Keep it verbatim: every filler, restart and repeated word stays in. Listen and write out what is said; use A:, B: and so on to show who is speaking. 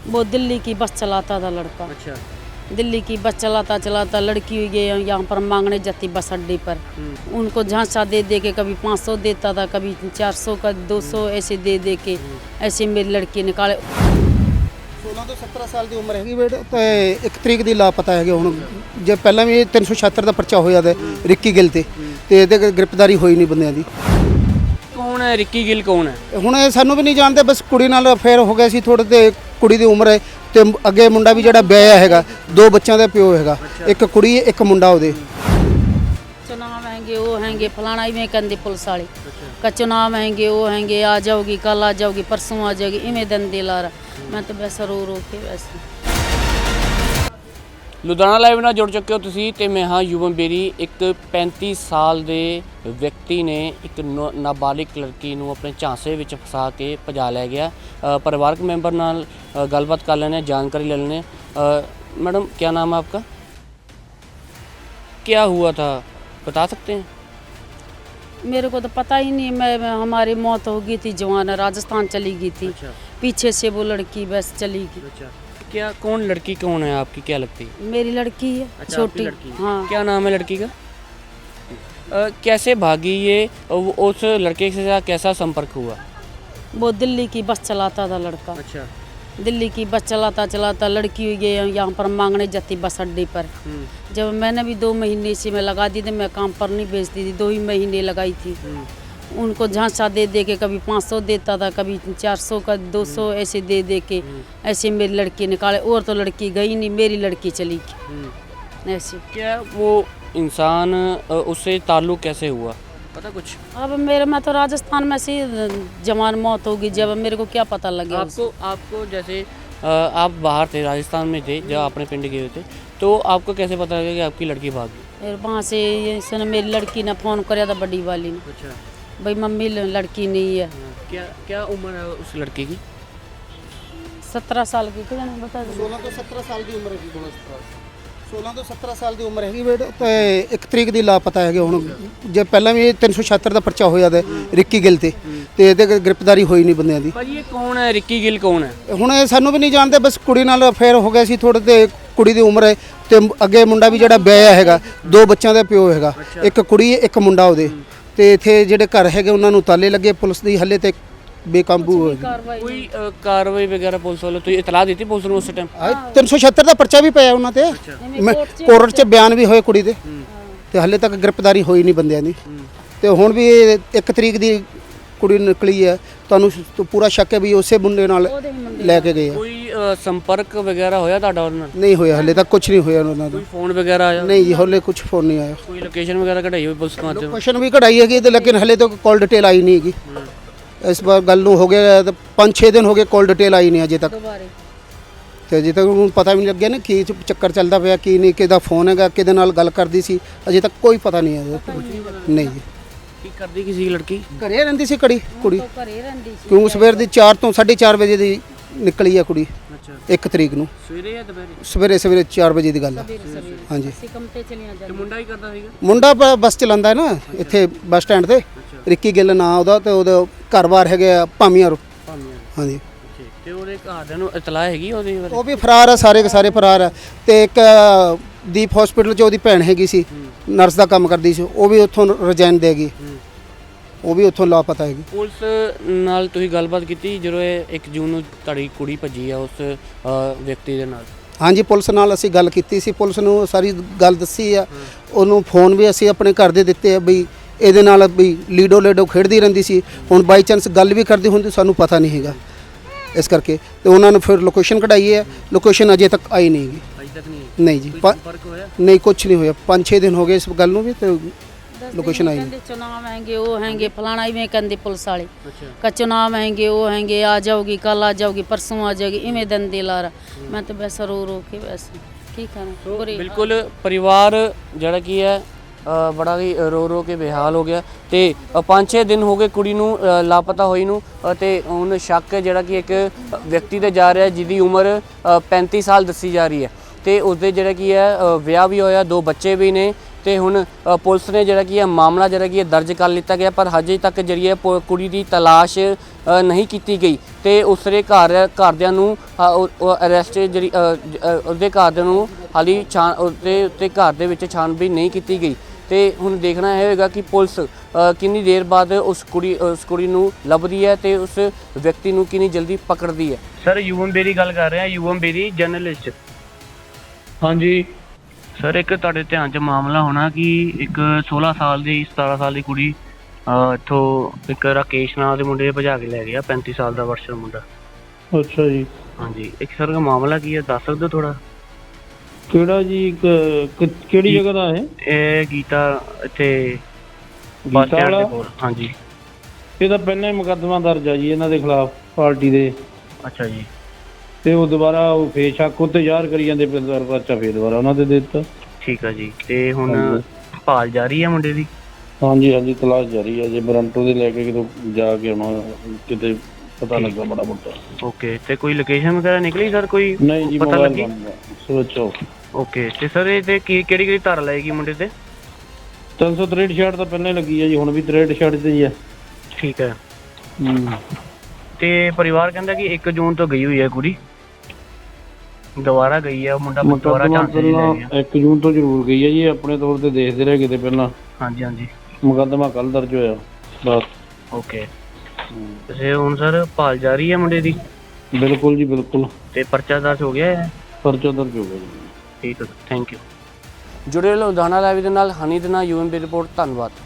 A: वो दिल्ली की बस चलाता था लड़का।
B: अच्छा।
A: दिल्ली की बस चलाता चलाता लड़की गए यहाँ पर मांगने जाती बस अड्डे पर। उनको झांसा दे दे के कभी पाँच सौ देता था, कभी चार सौ का दो सौ ऐसे दे दे के ऐसे मेरी लड़की निकाले।
C: सोलह तो सत्रह साल की उम्र हैगी बेटे तो एक तरीक ਦੀ ਲਾਪਤਾ ਹੈਗੇ ਹੁਣ ਜੇ ਪਹਿਲਾਂ ਵੀ तीन सौ छिहत्तर ਦਾ ਪਰਚਾ ਹੋਇਆ ਤੇ ਰਿੱਕੀ ਗਿੱਲ ਤੇ ਤੇ ਇਹਦੇ ਗ੍ਰਿਫਤਾਰੀ ਹੋਈ ਨਹੀਂ ਬੰਦਿਆਂ ਦੀ।
B: ਕੌਣ ਹੈ ਰਿੱਕੀ ਗਿੱਲ? ਕੌਣ ਹੈ?
C: ਹੁਣ ਇਹ ਸਾਨੂੰ ਵੀ ਨਹੀਂ ਜਾਣਦੇ, ਬਸ ਕੁੜੀ ਨਾਲ ਅਫੇਅਰ ਹੋ ਗਿਆ ਸੀ ਥੋੜੇ ਤੇ ਕੁੜੀ ਦੀ ਉਮਰ ਹੈ ਤੇ ਅੱਗੇ ਮੁੰਡਾ ਵੀ ਜਿਹੜਾ ਵਿਆਹਿਆ ਹੈਗਾ, ਦੋ ਬੱਚਿਆਂ ਦਾ ਪਿਓ ਹੈਗਾ, ਇੱਕ ਕੁੜੀ ਇੱਕ ਮੁੰਡਾ ਉਹਦੇ।
A: चुनाव हैंगे वो हैंगे फलाना इवें कंदे पुलिस वाले का चुनाव हैंगे वो हैंगे आ जाओगी कल आ जाओगी परसों आ जाओगी इवें दंदे ला रहा। मैं तो वैसा रो रो के वैसे।
B: ਲੁਧਿਆਣਾ ਲਾਈਵ ਨਾਲ ਜੁੜ ਚੁੱਕੇ ਹੋ ਤੁਸੀਂ ਤੇ ਮੈਂ ਹਾਂ ਯੁਵਮ ਬੇਰੀ। ਇੱਕ ਪੈਂਤੀ ਸਾਲ ਦੇ ਵਿਅਕਤੀ ਨੇ ਇੱਕ ਨ- ਨਾਬਾਲਿਗ ਲੜਕੀ ਨੂੰ ਆਪਣੇ ਝਾਂਸੇ ਵਿੱਚ ਫਸਾ ਕੇ ਭਜਾ ਲੈ ਗਿਆ। ਅ, ਪਰਿਵਾਰਕ ਮੈਂਬਰ ਨਾਲ ਅ, ਗੱਲਬਾਤ ਕਰ ਲੈਣੇ, ਜਾਣਕਾਰੀ ਲੈ ਲੈਣੇ। मैडम क्या नाम है आपका? क्या हुआ था बता सकते हैं?
A: मेरे को तो पता ही नहीं। मैं, मैं हमारी मौत हो गई थी, जवान राजस्थान चली गई थी।
B: अच्छा।
A: पीछे से वो लड़की बस चली गई।
B: अच्छा। क्या कौन लड़की कौन है आपकी, क्या लगती है?
A: मेरी लड़की है।
B: अच्छा,
A: छोटी
B: लड़की।
A: हाँ।
B: क्या नाम है लड़की का? अ, कैसे भागी ये? वो- उस लड़के के साथ कैसा संपर्क हुआ?
A: वो दिल्ली की बस चलाता था लड़का।
B: अच्छा।
A: दिल्ली की बस चलाता चलाता लड़की गए यहाँ पर मांगने जाती बस अड्डे पर। जब मैंने भी दो महीने से मैं लगा दी थी, मैं काम पर नहीं भेजती थी, दो ही महीने लगाई थी। उनको झांसा दे दे के कभी पाँच सौ देता था, कभी चार सौ का दो सौ ऐसे दे दे के ऐसे मेरी लड़की निकाले। और तो लड़की गई नहीं, मेरी लड़की चली गई ऐसे।
B: क्या वो इंसान अ, उससे ताल्लुक़ कैसे हुआ, पता कुछ?
A: अब मेरे में तो राजस्थान में से जवान मौत होगी, जब मेरे को क्या पता लगे।
B: आपको आपको जैसे अ, आप बाहर थे, राजस्थान में थे, जब अपने पिंड गए थे, तो आपको कैसे पता लगा कि आपकी लड़की भागी?
A: फिर वहाँ से इसने मेरी लड़की ने फ़ोन कराया था, बड़ी वाली ने,
B: अच्छा।
A: भाई मम्मी लड़की नहीं है।
B: क्या क्या उम्र है उस लड़के की?
A: सत्रह साल की कितने बता दो।
C: सोलह तो सत्रह साल ਦੀ ਉਮਰ ਹੈਗੀ ਦੋਨੋਂ। सोलह तो सत्रह साल ਦੀ ਉਮਰ ਹੈਗੀ ਬੇਟੇ ਤੇ ਇੱਕ ਤਰੀਕ ਦੀ ਲਾਪਤਾ ਹੈਗੇ ਹੁਣ ਜੇ ਪਹਿਲਾਂ ਵੀ तीन सौ छिहत्तर ਦਾ ਪਰਚਾ ਹੋਇਆ ਤੇ ਰਿੱਕੀ ਗਿੱਲ ਤੇ ਤੇ ਇਹਦੇ ਗ੍ਰਿਫਤਾਰੀ ਹੋਈ ਨਹੀਂ ਬੰਦਿਆਂ ਦੀ।
B: ਭਾਜੀ ਇਹ ਕੌਣ ਹੈ? ਰਿੱਕੀ ਗਿੱਲ ਕੌਣ ਹੈ?
C: ਹੁਣ ਇਹ ਸਾਨੂੰ ਵੀ ਨਹੀਂ ਜਾਣਦੇ, ਬਸ ਕੁੜੀ ਨਾਲ ਅਫੇਅਰ ਹੋ ਗਿਆ ਸੀ ਥੋੜੇ ਤੇ ਕੁੜੀ ਦੀ ਉਮਰ ਹੈ ਤੇ ਅੱਗੇ ਮੁੰਡਾ ਵੀ ਜਿਹੜਾ ਵਿਆਹਿਆ ਹੈਗਾ, ਦੋ ਬੱਚਿਆਂ ਦਾ ਪਿਓ ਹੈਗਾ, ਇੱਕ ਕੁੜੀ ਇੱਕ ਮੁੰਡਾ ਉਹਦੇ। ਤੇ ਇੱਥੇ ਜਿਹੜੇ ਘਰ ਹੈਗੇ ਉਹਨਾਂ ਨੂੰ ਤਾਲੇ ਲੱਗੇ, ਪੁਲਿਸ ਦੀ ਹੱਲੇ ਤੇ ਬੇਕਾਬੂ ਹੋ ਗਈ।
B: ਕੋਈ ਅ, ਕਾਰਵਾਈ ਵਗੈਰਾ ਪੁਲਿਸ ਵੱਲੋਂ ਤੁਸੀਂ ਇਤਲਾਹ ਦਿੱਤੀ ਪੁਲਿਸ ਨੂੰ ਉਸ ਟਾਈਮ?
C: तीन सौ छिहत्तर ਦਾ ਪਰਚਾ ਵੀ ਪਿਆ ਉਹਨਾਂ ਤੇ, ਮੈਂ ਕੋਰਟ 'ਚ ਬਿਆਨ ਵੀ ਹੋਏ ਕੁੜੀ ਦੇ ਤੇ ਹੱਲੇ ਤੱਕ ਗ੍ਰਿਫਤਾਰੀ ਹੋਈ ਨਹੀਂ ਬੰਦਿਆਂ ਦੀ। ਤੇ ਹੁਣ ਵੀ ਇੱਕ ਤਰੀਕ ਦੀ ਕੁੜੀ ਨਿਕਲੀ ਹੈ, ਤੁਹਾਨੂੰ ਸ- ਪੂਰਾ ਸ਼ੱਕ ਹੈ ਵੀ ਉਸੇ ਮੁੰਡੇ ਨਾਲ ਲੈ ਕੇ ਗਏ ਆ।
B: ਕੋਈ ਅ, ਸੰਪਰਕ ਵਗੈਰਾ ਹੋਇਆ ਤੁਹਾਡਾ ਉਹਨਾਂ ਨਾਲ?
C: ਨਹੀਂ ਹੋਇਆ ਹੱਲੇ ਤੱਕ, ਕੁਝ ਨਹੀਂ ਹੋਇਆ ਉਹਨਾਂ ਦਾ।
B: ਕੋਈ ਫੋਨ ਵਗੈਰਾ ਆਇਆ?
C: ਨਹੀਂ ਜੀ ਹੱਲੇ ਕੁਝ ਫੋਨ ਨਹੀਂ ਆਇਆ।
B: ਕੋਈ ਲੋਕੇਸ਼ਨ ਵਗੈਰਾ ਕਢਾਈ ਹੋਈ ਪੁਲਿਸ ਮਾਧਿਅਮ?
C: ਲੋਕੇਸ਼ਨ ਵੀ ਕਢਾਈ ਹੈਗੀ ਤੇ ਲੇਕਿਨ ਹੱਲੇ ਤੱਕ ਕਾਲ ਡਿਟੇਲ ਆਈ ਨਹੀਂ ਹੈਗੀ। ਇਸ ਵਾਰ ਗੱਲ ਨੂੰ ਹੋ ਗਿਆ ਤਾਂ ਪੰਜ ਛੇ ਦਿਨ ਹੋ ਗਏ, ਕਾਲ ਡਿਟੇਲ ਆਈ ਨਹੀਂ ਅਜੇ ਤੱਕ। ਤੇ ਅਜੇ ਤੱਕ ਉਹਨੂੰ ਪਤਾ ਵੀ ਨਹੀਂ ਲੱਗਿਆ ਨਾ ਕੀ ਚੱਕਰ ਚੱਲਦਾ ਪਿਆ, ਕੀ ਨਹੀਂ, ਕਿਹਦਾ ਫੋਨ ਹੈਗਾ, ਕਿਹਦੇ ਨਾਲ ਗੱਲ ਕਰਦੀ ਸੀ, ਅਜੇ ਤੱਕ ਕੋਈ ਪਤਾ ਨਹੀਂ ਹੈ। ਨਹੀਂ ਜੀ।
B: ਕੀ ਕਰਦੀ ਕੀ ਸੀ ਲੜਕੀ?
C: ਘਰੇ ਰਹਿੰਦੀ ਸੀ ਕੜੀ ਕੁੜੀ,
A: ਘਰੇ ਰਹਿੰਦੀ ਸੀ।
C: ਕਿਉਂ ਸਵੇਰ ਦੀ ਚਾਰ ਤੋਂ ਸਾਢੇ ਚਾਰ ਵਜੇ ਦੀ ਨਿਕਲੀ ਆ ਕੁੜੀ
B: ਅੱਛਾ।
C: ਇੱਕ ਤਰੀਕ ਨੂੰ
B: ਸਵੇਰੇ ਜਾਂ ਦੁਪਹਿਰੇ?
C: ਸਵੇਰੇ ਸਵੇਰੇ ਚਾਰ ਵਜੇ ਦੀ ਗੱਲ ਹੈ। ਹਾਂਜੀ।
A: ਅਸੀਂ ਕੰਮ ਤੇ ਚਲੀਆਂ
B: ਤੇ
A: ਜਾਂਦੀਆਂ।
B: ਮੁੰਡਾ ਹੀ ਕਰਦਾ ਸੀਗਾ?
C: ਮੁੰਡਾ ਬ- ਬੱਸ ਚਲਾਉਂਦਾ ਹੈ ਨਾ ਇੱਥੇ ਬੱਸ ਸਟੈਂਡ ਤੇ, ਰਿੱਕੀ ਗਿੱਲ ਨਾਂ ਉਹਦਾ, ਤੇ ਉਹਦਾ ਘਰ-ਬਾਰ ਹੈਗੇ ਆ ਭਾਮੀਆਂ। ਹਾਂਜੀ।
B: ਠੀਕ। ਤੇ ਉਹਦੇ ਘਰਦਿਆਂ ਨੂੰ ਇਤਲਾਹ ਹੈਗੀ ਉਹਦੇ ਬਾਰੇ?
C: ਉਹ ਵੀ ਫਰਾਰ ਆ, ਸਾਰੇ ਕੇ ਸਾਰੇ ਫਰਾਰ ਆ। ਤੇ ਇੱਕ ਅ, ਦੀਪ ਹਸਪੀਟਲ 'ਚ ਉਹਦੀ ਭੈਣ ਹੈਗੀ ਸੀ, ਨਰਸ ਦਾ ਕੰਮ ਕਰਦੀ ਸੀ, ਉਹ ਵੀ ਉੱਥੋਂ ਰਿਜ਼ਾਈਨ ਦੇ ਗਈ, ਉਹ ਵੀ ਉੱਥੋਂ ਲਾਪਤਾ ਹੈਗੀ।
B: ਪੁਲਿਸ ਨਾਲ ਤੁਸੀਂ ਗੱਲਬਾਤ ਕੀਤੀ ਜਦੋਂ ਇਹ ਇੱਕ ਜੂਨ ਨੂੰ ਤੁਹਾਡੀ ਕੁੜੀ ਭੱਜੀ ਆ ਉਸ ਅ, ਵਿਅਕਤੀ ਦੇ ਨਾਲ?
C: ਹਾਂਜੀ, ਪੁਲਿਸ ਨਾਲ ਅਸੀਂ ਗੱਲ ਕੀਤੀ ਸੀ, ਪੁਲਿਸ ਨੂੰ ਸਾਰੀ ਗੱਲ ਦੱਸੀ ਆ। ਉਹਨੂੰ ਫੋਨ ਵੀ ਅਸੀਂ ਆਪਣੇ ਘਰ ਦੇ ਦਿੱਤੇ ਆ ਬਈ ਇਹਦੇ ਨਾਲ ਵੀ ਲੀਡੋ ਲੀਡੋ ਖੇਡਦੀ ਰਹਿੰਦੀ ਸੀ। ਹੁਣ ਬਾਈ ਚਾਂਸ ਗੱਲ ਵੀ ਕਰਦੀ ਹੁੰਦੀ ਸਾਨੂੰ ਪਤਾ ਨਹੀਂ ਹੈਗਾ, ਇਸ ਕਰਕੇ ਤੇ ਉਹਨਾਂ ਨੇ ਫਿਰ ਲੋਕੇਸ਼ਨ ਕਢਾਈ ਹੈ। ਲੋਕੇਸ਼ਨ ਅਜੇ ਤੱਕ ਆਈ ਨਹੀਂ ਹੈਗੀ।
B: ਅਜੇ ਤੱਕ ਨਹੀਂ?
C: ਨਹੀਂ ਜੀ, ਪ-
B: ਸੰਪਰਕ ਹੋਇਆ?
C: ਨਹੀਂ ਕੁਝ ਨਹੀਂ ਹੋਇਆ। ਪੰਜ ਛੇ ਦਿਨ ਹੋ ਗਏ ਇਸ ਗੱਲ ਨੂੰ ਵੀ ਤੇ ਲੋਕੇਸ਼ਨ ਆਈ
A: कहते चुनाव हैंगे वो हैंगे फलाना इवें कंदे पुलिस वाले
B: अच्छा।
A: का चुनाव हैंगे वो हैंगे आ जाओगी कल आ जाओगी परसों आ जाओगी इवें दंदे ला रहा। मैं तो वैसा रो रो के वैसे की करें। बुरी
B: ਬਿਲਕੁਲ ਪਰਿਵਾਰ ਜਿਹੜਾ ਕੀ ਹੈ ਅ, ਬੜਾ ਹੀ ਰੋ ਰੋ ਕੇ ਬੇਹਾਲ ਹੋ ਗਿਆ। ਤੇ ਅ, ਪੰਜ ਛੇ ਦਿਨ ਹੋ ਗਏ ਕੁੜੀ ਨੂੰ ਅ, ਲਾਪਤਾ ਹੋਈ ਨੂੰ। ਅ, ਤੇ ਹੁਣ ਸ਼ੱਕ ਜਿਹੜਾ ਕਿ ਇੱਕ ਵਿਅਕਤੀ ਤੇ ਜਾ ਰਿਹਾ ਜਿਹਦੀ ਉਮਰ ਅ, ਪੈਂਤੀ ਸਾਲ ਦੱਸੀ ਜਾ ਰਹੀ ਹੈ ਤੇ ਉਸਦੇ ਜਿਹੜਾ ਕੀ ਹੈ ਅ, ਵਿਆਹ ਵੀ ਹੋਇਆ, ਦੋ ਬੱਚੇ ਵੀ ਨੇ। ਤੇ ਹੁਣ ਅ, ਪੁਲਿਸ ਨੇ ਜਿਹੜਾ ਕੀ ਹੈ ਮਾਮਲਾ ਜਿਹੜਾ ਕੀ ਹੈ ਦਰਜ ਕਰ ਲਿੱਤਾ ਗਿਆ, ਪਰ ਹਜੇ ਤੱਕ ਜਿਹੜੀ ਹੈ ਪੁ- ਕੁੜੀ ਦੀ ਤਲਾਸ਼ ਅ, ਨਹੀਂ ਕੀਤੀ ਗਈ ਤੇ ਉਸਦੇ ਘਰ ਘਰਦਿਆਂ ਨੂੰ ਅਰੈਸਟ ਜਿਹੜੀ ਅ, ਜ- ਅ, ਉਹਦੇ ਘਰਦਿਆਂ ਨੂੰ ਹਾਲੀ ਛਾਂ ਉਹਦੇ ਉੱਤੇ ਘਰ ਦੇ ਵਿੱਚ ਛਾਣਬੀਨ ਨਹੀਂ ਕੀਤੀ ਗਈ ਤੇ ਹੁਣ ਦੇਖਣਾ ਇਹ ਹੋਏਗਾ ਕਿ ਪੁਲਿਸ ਅ, ਕਿੰਨੀ ਦੇਰ ਬਾਅਦ ਉਸ ਕੁੜੀ ਉਸ ਕੁੜੀ ਨੂੰ ਲੱਭਦੀ ਹੈ ਤੇ ਉਸ ਵਿਅਕਤੀ ਨੂੰ ਕਿੰਨੀ ਜਲਦੀ ਪਕੜਦੀ ਹੈ। ਸਰ ਯੂਵਮ ਬੇਰੀ ਗੱਲ ਕਰ ਰਹੇ ਹਾਂ, ਯੂਵਮ ਬੇਰੀ ਜਰਨਲਿਸਟ।
D: ਹਾਂਜੀ
B: ਸਰ ਇੱਕ ਤੁਹਾਡੇ ਧਿਆਨ 'ਚ ਮਾਮਲਾ ਹੋਣਾ ਕਿ ਇੱਕ ਸੋਲਾਂ ਸਾਲ ਦੀ ਸਤਾਰਾਂ ਸਾਲ ਦੀ ਕੁੜੀ ਅ, ਇੱਥੋਂ ਇੱਕ ਰਾਕੇਸ਼ ਨਾਂ ਦੇ ਮੁੰਡੇ ਨੇ ਭਜਾ ਕੇ ਲੈ ਗਿਆ, ਪੈਂਤੀ ਸਾਲ ਦਾ ਵਰਸ਼ਰ ਮੁੰਡਾ।
D: ਅੱਛਾ ਜੀ,
B: ਹਾਂਜੀ, ਇੱਕ ਸਰ ਦਾ ਮਾਮਲਾ ਕੀ ਹੈ ਦੱਸ ਸਕਦੇ ਹੋ ਥੋੜਾ?
D: ਕਿਹੜਾ ਜੀ ਕ- ਕ- ਕਿਹੜੀ
B: ਜੀ।
D: ਜਗ੍ਹਾ ਦਾ ਹੈ?
B: ਇਹ ਗੀਤਾ ਇੱਥੇ ਬੱਸ
D: ਗੀਤਾ
B: ਸਟੈਂਡ ਦੇ
D: ਵਾਲਾ?
B: ਕੋਲ। ਹਾਂਜੀ।
D: ਇਹ ਤਾਂ ਪਹਿਲਾਂ ਹੀ ਮੁਕੱਦਮਾ ਦਰਜ ਆ ਜੀ ਇਹਨਾਂ ਦੇ ਖਿਲਾਫ, ਪਾਰਟੀ ਦੇ।
B: ਅੱਛਾ ਜੀ।
D: ਤੇ ਉਹ ਦੁਬਾਰਾ ਉਹ ਫੇਰ ਸ਼ੱਕ ਉੱਤੇ ਜ਼ਾਹਰ ਕਰੀ ਜਾਂਦੇ, ਫਿਰ ਦੁਬਾਰਾ ਪਰਚਾ ਫੇਰ ਦੁਬਾਰਾ ਉਹਨਾਂ ਦੇ ਦੇ ਦਿੱਤਾ।
B: ਠੀਕ ਆ ਜੀ। ਤੇ ਹੁਣ
D: ਹਾਂਜੀ।
B: ਭਾਲ ਜਾਰੀ ਹੈ ਮੁੰਡੇ ਦੀ?
D: ਹਾਂਜੀ ਹਾਂਜੀ, ਤਲਾਸ਼ ਜਾਰੀ ਹੈ ਜੇ ਬਰੰਟੋ ਦੇ ਲੈ ਕੇ ਕਿਤੋਂ ਜਾ ਕੇ ਹੁਣ ਕਿਤੇ ਪਤਾ ਲੱਗਾ ਬੜਾ ਮੋਟਾ।
B: ਓਕੇ, ਤੇ ਕੋਈ ਲੋਕੇਸ਼ਨ ਵਗੈਰਾ ਨਿਕਲੀ ਸਰ, ਕੋਈ
D: ਨਹੀਂ ਜੀ,
B: ਪਤਾ
D: ਮੋਬਾਈਲ
B: ਲੱਗੀ?
D: ਬੰਦ ਹੈ, ਸਵਿਚ ਆਫ।
B: ਓਕੇ, ਤੇ ਸਰ ਇਹ ਤੇ ਕੀ ਕਿਹੜੀ ਕਿਹੜੀ ਧਾਰਾ ਲਾਏਗੀ ਮੁੰਡੇ ਤੇ?
D: ਤਿੰਨ ਸੌ ਤਰੇਹਠ ਛਿਆਹਠ ਤਾਂ ਪਹਿਲਾਂ ਹੀ ਲੱਗੀ ਹੈ ਜੀ, ਹੁਣ ਵੀ ਤਰੇਹਠ ਛਿਆਹਠ ਤੇ ਹੀ ਹੈ।
B: ਠੀਕ ਹੈ।
D: ਹੂੰ।
B: ਤੇ ਪਰਿਵਾਰ ਕਹਿੰਦਾ ਕਿ ਇੱਕ ਜੂਨ ਤੋਂ ਗਈ ਹੋਈ ਹੈ ਕੁੜੀ, ਦੁਬਾਰਾ ਗਈ ਹੈ ਉਹ ਮੁੰਡਾ ਦੁਬਾਰਾ
D: ਮੁਕੱਦਮਾ
B: ਝਾਂਸੇ 'ਚ ਲੈ ਗਿਆ।
D: ਪਹਿਲਾਂ ਇੱਕ ਜੂਨ ਤੋਂ ਜ਼ਰੂਰ ਗਈ ਹੈ ਜੀ, ਆਪਣੇ ਤੌਰ ਤੇ ਦੇਖਦੇ ਰਹੇ ਕਿਤੇ ਪਹਿਲਾਂ।
B: ਹਾਂਜੀ ਹਾਂਜੀ।
D: ਮੁਕੱਦਮਾ ਕੱਲ ਦਰਜ ਹੋਇਆ ਬਸ।
B: ਓਕੇ, ਤੇ ਹੁਣ ਸਰ ਭਾਲ ਜਾਰੀ ਹੈ ਮੁੰਡੇ ਦੀ?
D: ਬਿਲਕੁਲ ਜੀ ਬਿਲਕੁਲ,
B: ਤੇ ਪਰਚਾ ਦਰਜ ਹੋ ਗਿਆ ਹੈ?
D: ਪਰਚਾ ਦਰਜ ਹੋ ਗਿਆ ਜੀ।
B: ਠੀਕ ਹੈ, ਥੈਂਕ ਯੂ। ਜੁੜੇ ਰਹੋ ਲੁਧਿਆਣਾ ਲਾਈਵ ਦੇ ਨਾਲ, ਹਨੀ ਦੇ ਨਾਲ, ਯੂਐਮਬੀ ਰਿਪੋਰਟ। ਧੰਨਵਾਦ।